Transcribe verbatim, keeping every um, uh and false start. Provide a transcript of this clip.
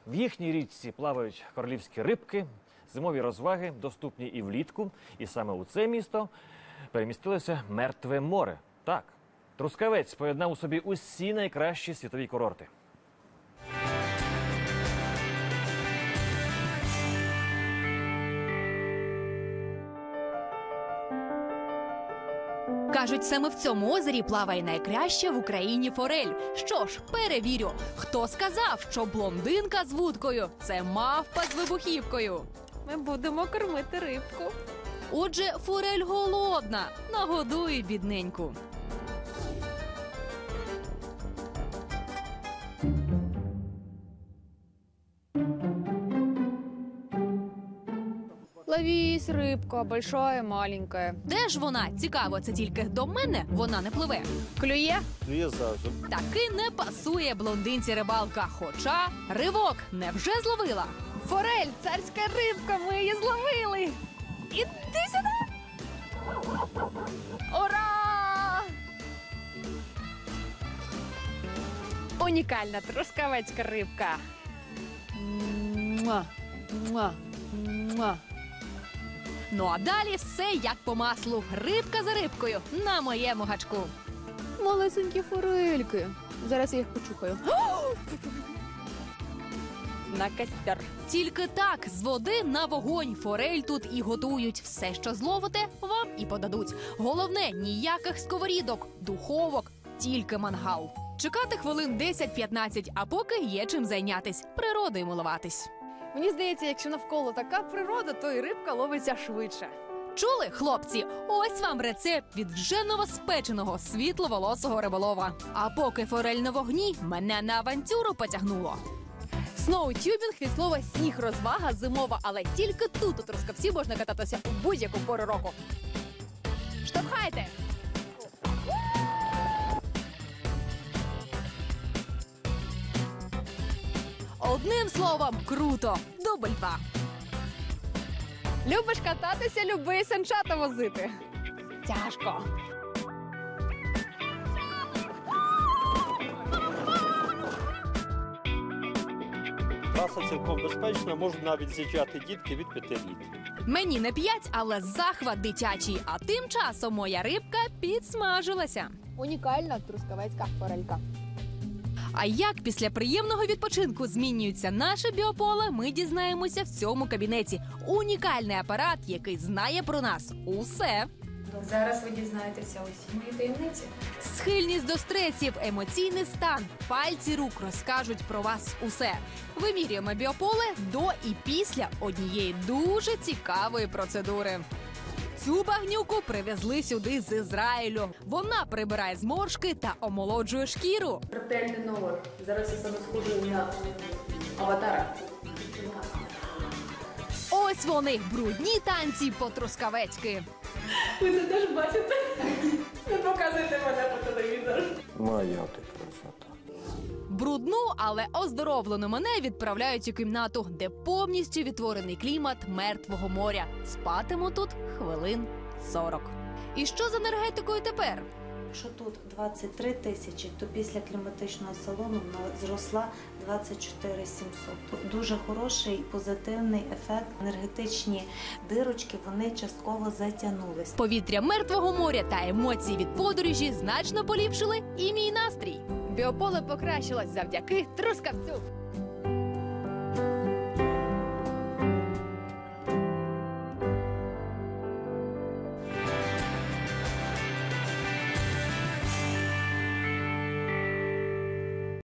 В їхній річці плавають королівські рибки, зимові розваги доступні і влітку. І саме у це місто перемістилося Мертве море. Так, Трускавець поєднав у собі усі найкращі світові курорти. Кажуть, саме в цьому озері плаває найкраща в Україні форель. Що ж, перевірю, хто сказав, що блондинка з вудкою – це мавпа з вибухівкою. Ми будемо кормити рибку. Отже, форель голодна, нагодує бідненьку. Ловись, рибка, большая, маленькая. Де ж вона? Цікаво, це тільки до мене вона не пливе. Клює? Клює завжди. Таки не пасує блондинці рибалка, хоча ривок невже зловила. Форель, царська рибка, ми її зловили. Іди сюди. Ура! Унікальна трускавецька рибка. Муа, муа, муа. Ну а далі все як по маслу. Рибка за рибкою на моєму гачку. Малесенькі форельки. Зараз я їх почухаю. На костер. Тільки так, з води на вогонь. Форель тут і готують. Все, що зловите, вам і подадуть. Головне, ніяких сковорідок, духовок, тільки мангал. Чекати хвилин десять-п'ятнадцять, а поки є чим зайнятись, природою милуватись. Мені здається, якщо навколо така природа, то і рибка ловиться швидше. Чули, хлопці? Ось вам рецепт від вже новоспеченого світловолосого риболова. А поки форель на вогні, мене на авантюру потягнуло. Сноутюбінг від слова сніг, розвага зимова, але тільки тут у Трускавці можна кататися у будь-яку пору року. Штовхайте! Одним словом, круто! Дубль два. Любиш кататися, люби санчата возити. Тяжко. Траса цілком безпечна, можуть навіть з'їжджати дітки від п'яти літ. Мені не п'ять, але захват дитячий. А тим часом моя рибка підсмажилася. Унікальна трускавецька форелька. А як після приємного відпочинку змінюється наше біополе, ми дізнаємося в цьому кабінеті. Унікальний апарат, який знає про нас усе. Зараз ви дізнаєтеся усі мої таємниці. Схильність до стресів, емоційний стан, пальці рук розкажуть про вас усе. Вимірюємо біополе до і після однієї дуже цікавої процедури. Цю багнюку привезли сюди з Ізраїлю. Вона прибирає зморшки та омолоджує шкіру. Ретельний номер. Зараз я саме схожу на аватара. Ось вони, брудні танці по-трускавецьки. Ви це теж бачите? Не показуйте мене по телевізору. Моя ти красота. Брудну, але оздоровлену мене відправляють у кімнату, де повністю відтворений клімат Мертвого моря. Спатиму тут хвилин сорок. І що з енергетикою тепер? Якщо тут двадцять три тисячі, то після кліматичного салону вона зросла двадцять чотири сімсот. Дуже хороший позитивний ефект. Енергетичні дирочки, вони частково затягнулись. Повітря Мертвого моря та емоції від подорожі значно поліпшили і мій настрій. Біополе покращилось завдяки Трускавцю.